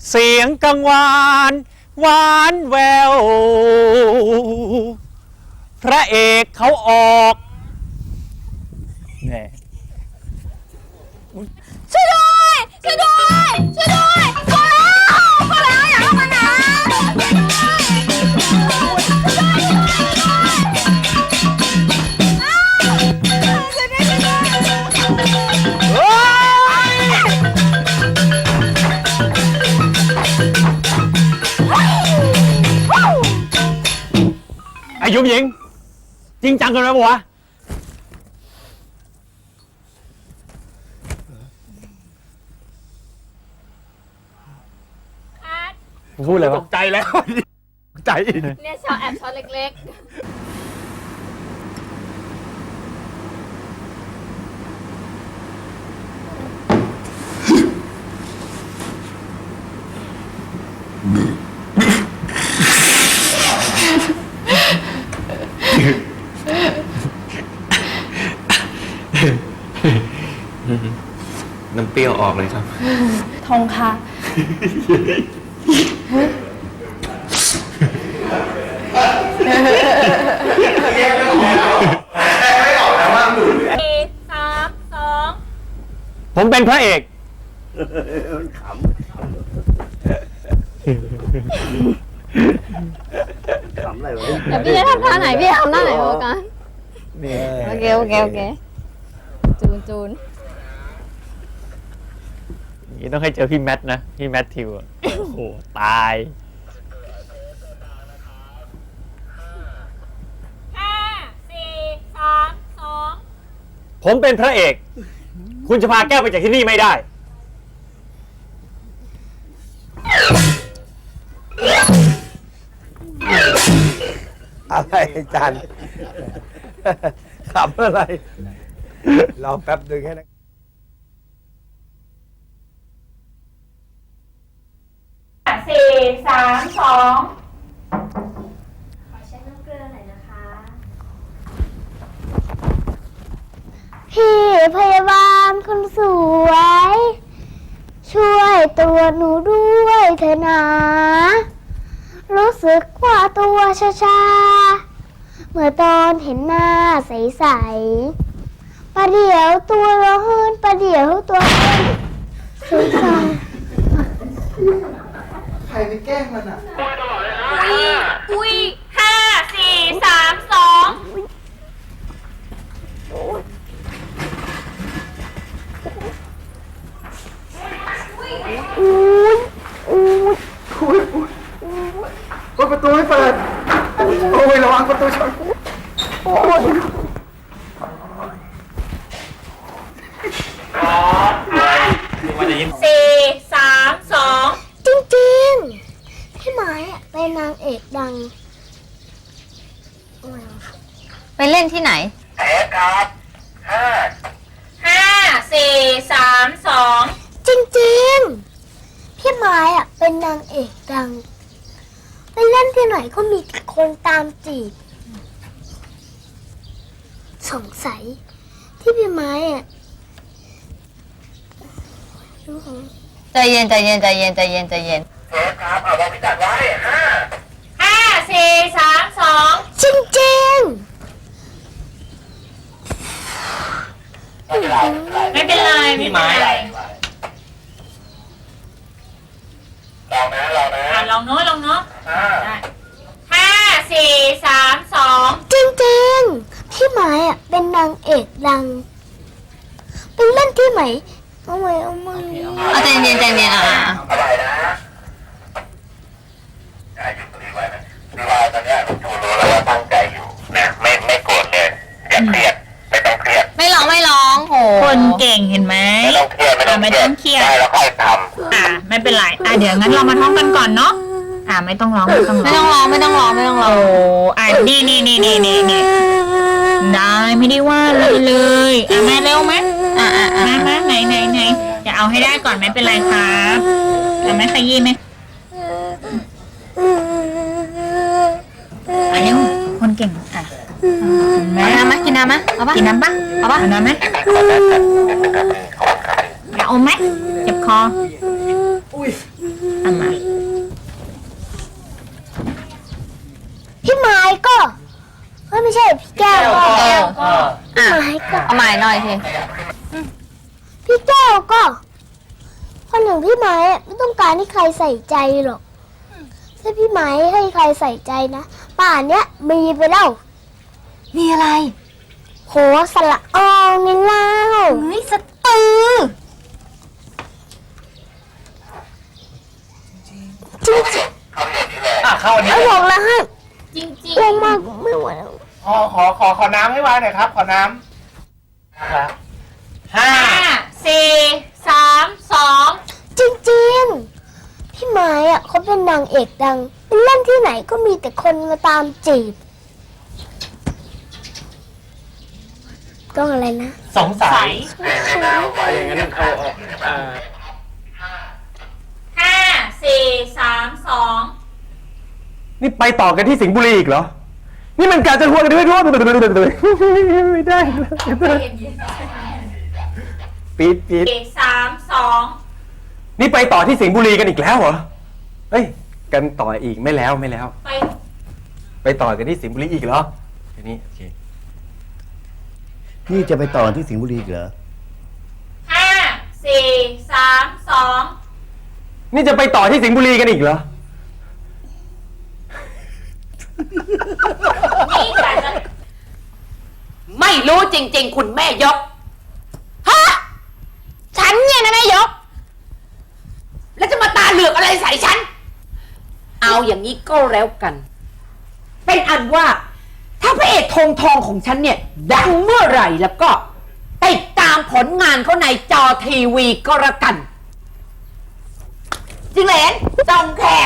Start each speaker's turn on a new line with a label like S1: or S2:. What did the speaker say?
S1: เสียงกังวานหวานแววพระเอกเขาออกแน่
S2: ช่วยด้วยช่วยด้วยช่วยด้วยพอแล้วอย่าเข้ามานะ
S1: ไอ้ยุ้มหญิงจริงจังกันไหมวะพูดเลยวะตกใจแล้วใจ
S2: เนี่ยช็อตแอบช็อตเล็ก
S3: น้ำเปรี้ยวออกเลยครับ
S2: ๆทงค่ะ
S1: ผมเป็นพระเอก
S4: ขำอะไรวะ
S2: เดี๋ยวพี่จะทำท่าไหนพี่ทำท่าไหนโอกันโอเคจูน
S1: อย่างนี้ต้องให้เจอพี่แมทนะพี่แมททิวโอ้โหตายผมเป็นพระเอกคุณจะพาแก้วไปจากที่นี่ไม่ได้
S4: อะไรจันขำอะไรรอแป๊บนึงให้นะ
S2: 4 3 2ขอเช็ดน้ำเกลือหน่อยนะคะพี่พยาบาลคนสวยช่วยตัวหนูด้วยเถอะนะรู้สึกว่าตัวชาเมื่อตอนเห็นหน้าใสๆประเดี๋ยวตัวร้อนประเดี๋ยวตัวสงสาร
S4: ใครไปแกล้งมันอ่ะ
S2: อุ้ย5 4 3 2
S4: ประตูไม่เปิดโอ้ยระวังประตูชนโอ้ย
S2: 4 3 2จริงๆพี่ไม้เป็นนางเอกดังไปเล่นที่ไหนครับ5 4 3 2จริงๆพี่ไม้เป็นนางเอกดังไปเล่นที่ไหนก็มีคนตามจีบสงสัยที่พี่ไม้ใจเย็นครับเอาบอกพิกัดไว้5 4 3 2จริงไม่เป็นไรพี่ไม้ลองนะลองเนาะ5 4 3 2จริงๆพี่ไม้เป็นนางเอกดังไปเล่นที่ไหนเอาใจเย็นอะไรนะอยู่ตรงนี้ไว้นะพี่ว่าตอนนี้จูรู้แล้วว่าตั้งใจอยู่นะไม่โกรธเลยอย่าเครียดไม่ต้องเครียดไม่ร้องโหคนเก่งเห็นไหมไม่ต้องเครียดไม่ต้องเครียดได้แล้วค่อยทำไม่เป็นไรเดี๋ยวงั้นเรามาท่องกันก่อนเนาะไม่ต้องร้องโอ้นี่ได้ไม่ได้ว่าเลยแม่เร็วไหมมาไหนจะเอาให้ได้ก่อนไม่เป็นไรครับแม่ขยี้ไหมเร็วคนเก่งเอาน้ำไหมกินน้ำไหมเอาปะกินน้ำปะเอาน้ำไหมอยากอมไหมเจ็บคอเอามาใช่พี่แก้วก็
S5: อ่ะ
S2: พี่ไม้ก็
S5: เอาใหม่หน่อยที
S2: พี่แก้วก็คนหนึ่งพี่ไม้อะไม่ต้องการให้ใครใส่ใจหรอกถ้าพี่ไม้ให้ใครใส่ใจนะป่านเนี้ยมีไปแล้ว
S5: มีอะไร
S2: โหสละอองนี่เล่า
S5: เฮ้ยสตือ
S2: จริง
S1: เข้าอัน
S2: ๆ
S1: นี้
S2: เอาบอกแล้วให้
S5: จริง
S2: ลงมากไม่ไหวแล้ว
S1: ขอน้ำให้วางหน่อยครับ ขอน้ำครับห้า
S5: 5 4 3 2
S2: จริงๆพี่ไม้อะเขาเป็นนางเอกดังเป็นเล่นที่ไหนก็มีแต่คนมาตามจีบต้องอะไรนะ
S1: สงสัย
S3: อย่างนั้นเอา
S5: 5 4 3 2
S1: นี่ไปต่อกันที่สิงห์บุรีอีกเหรอ นี่มันการจะหัวกันด้วยไม่ได้ปี๊ด
S5: 3 2
S1: นี่ไปต่อที่สิงห์บุรีกันอีกแล้วเหรอ เฮ้ย กันต่ออีกไม่แล้ว
S5: ไป
S1: ไปต่อกันที่สิงห์บุรีอีกเหรอทีนี้โอเค
S6: นี่จะไปต่อที่สิงห์บุรีอีกเหรอ
S5: 5 4 3 2
S1: นี่จะไปต่อที่สิงห์บุรีกันอีกเหรอ
S5: นี่กะจะ
S7: ไม่รู้จริงๆ คุณแม่ยก
S5: ฮะฉันเนี่ยนะแม่ยก
S7: แล้วจะมาตาเหลือกอะไรใส่ฉัน เอาอย่างนี้ก็แล้วกัน เป็นอันว่า ถ้าพระเอกทองของฉันเนี่ย ดังเมื่อไหร่แล้วก็ติดตามผลงานเขาในจอทีวีก็แล้วกัน จิงเหลนจองแค